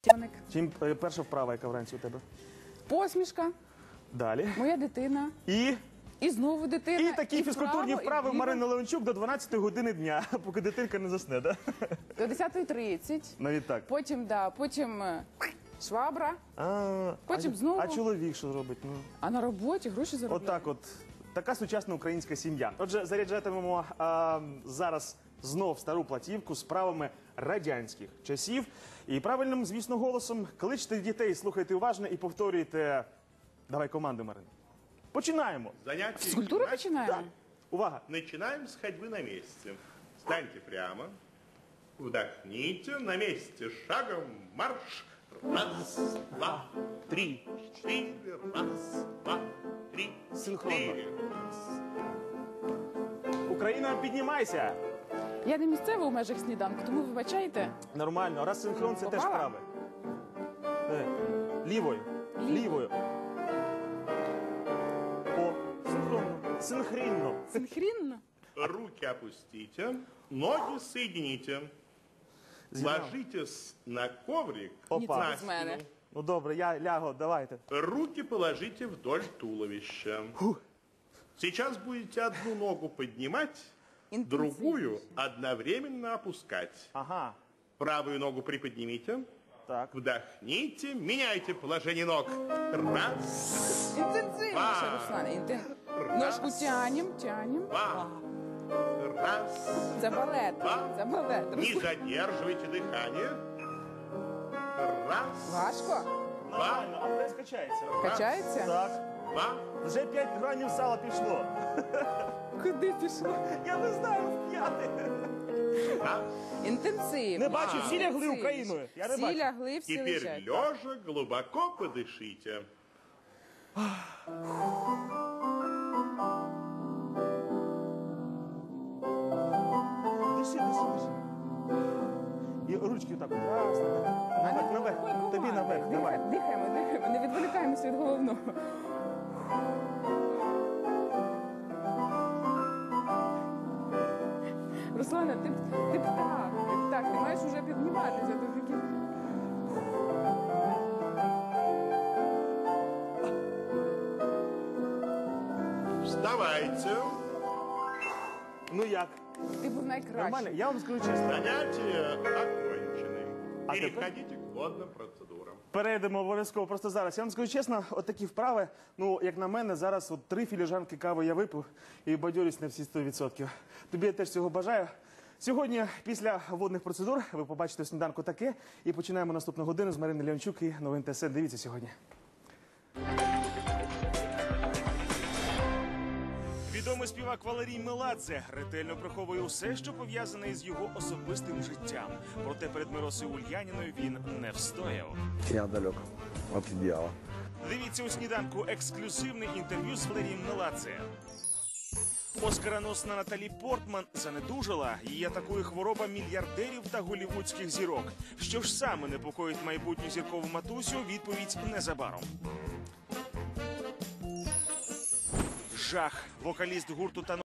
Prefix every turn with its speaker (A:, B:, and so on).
A: Чим перша вправа, яка вранці у тебе?
B: Посмішка,
A: Далі.
B: моя дитина. І знову дитина.
A: І такі фізкультурні вправи
B: і
A: Марини Леончук до 12 години дня, поки дитинка не засне, да?
B: До 10:30.
A: Навіть так.
B: Потім швабра. Потім
A: а,
B: знову.
A: А чоловік що робить? Ну,
B: А на роботі гроші заробляє.
A: отак от. Така сучасна українська сім'я. Отже, заряджатимемо зараз знов стару платівку з правами радянських часів. І правильним, звісно, голосом кличте дітей, слухайте уважно і повторюйте. Давай команду, Марина. Починаємо.
C: Занятие
B: Физкультуру починаем?
A: Так. Увага.
C: Начинаем с ходьбы на месте. Встаньте прямо, вдохните, на месте шагом марш. Раз, два, три, четыре. Раз, два, три,
A: Синхронно.
C: четыре.
A: Україна, піднімайся.
B: Я не місцева у межах сніданку, тому вибачайте.
A: Нормально. Раз синхрон, це теж
B: Попала?
A: праве. Лівою. Лівою. О, синхронно. Синхрінно.
B: Синхрінно.
C: Руки опустите, ноги соедините. Ложитесь на коврик.
A: Опа.
C: на
B: Без мене.
C: спину.
A: Ну добре, я лягу, давайте.
C: Руки положите вдоль туловища. Сейчас будете одну ногу поднимать, другую одновременно опускать.
A: Ага.
C: Правую ногу приподнимите,
A: Так.
C: вдохните, меняйте положение ног. Раз,
B: Інтенсивніше, Руслане. Ножку тянем.
C: два, раз.
B: Це балет. Це балет.
C: Не задерживайте дыхание. Раз,
B: Важко?
C: два,
A: Нормально, а прес качається.
B: Качається?
A: Так.
C: два.
A: Вже 5 гранів сала пішло.
B: Куди пішло?
A: Я не знаю, в п'яти.
C: Раз.
B: Інтенсивно.
A: Не бачу, всі лягли Україною. Я не
B: Всі
A: бачу.
B: лягли, всі
C: Теперь
B: лежать.
C: лежа глубоко подышите.
A: Диши. І ручки так. Раз, наверх. Тобі наверх, давай.
B: Дихаємо, не відволікаємося від головного. Руслана, ти птах, ти маєш уже підніматися до таких.
C: Вставайте.
A: Ну як?
B: Ти був найкращий.
A: Нормально? Я вам скажу чесно.
C: Занятия окончены.
A: А теперь?
C: Переходите к водным процедурам.
A: Перейдемо обов'язково просто зараз. Я вам скажу чесно, от такі вправи, ну, як на мене, зараз от 3 філіжанки кави я випив і бадьорюсь на всі 100%. Тобі я теж цього бажаю. Сьогодні, після водних процедур, ви побачите в сніданку таке. І починаємо наступну годину з Марини Леончук і новин ТСН. Дивіться сьогодні. Відомий співак Валерій Меладзе ретельно приховує усе, що пов'язане із його особистим життям. Проте перед Миросою Ульяніною він не встояв.
D: Я далек от идеала.
A: Дивіться у сніданку ексклюзивне інтерв'ю з Валерієм Меладзе. Оскароносна Наталі Портман занедужала. Її атакує хвороба мільярдерів та голівудських зірок. Що ж саме непокоїть майбутню зіркову матусю? Відповідь незабаром. Жах. Вокаліст гурту та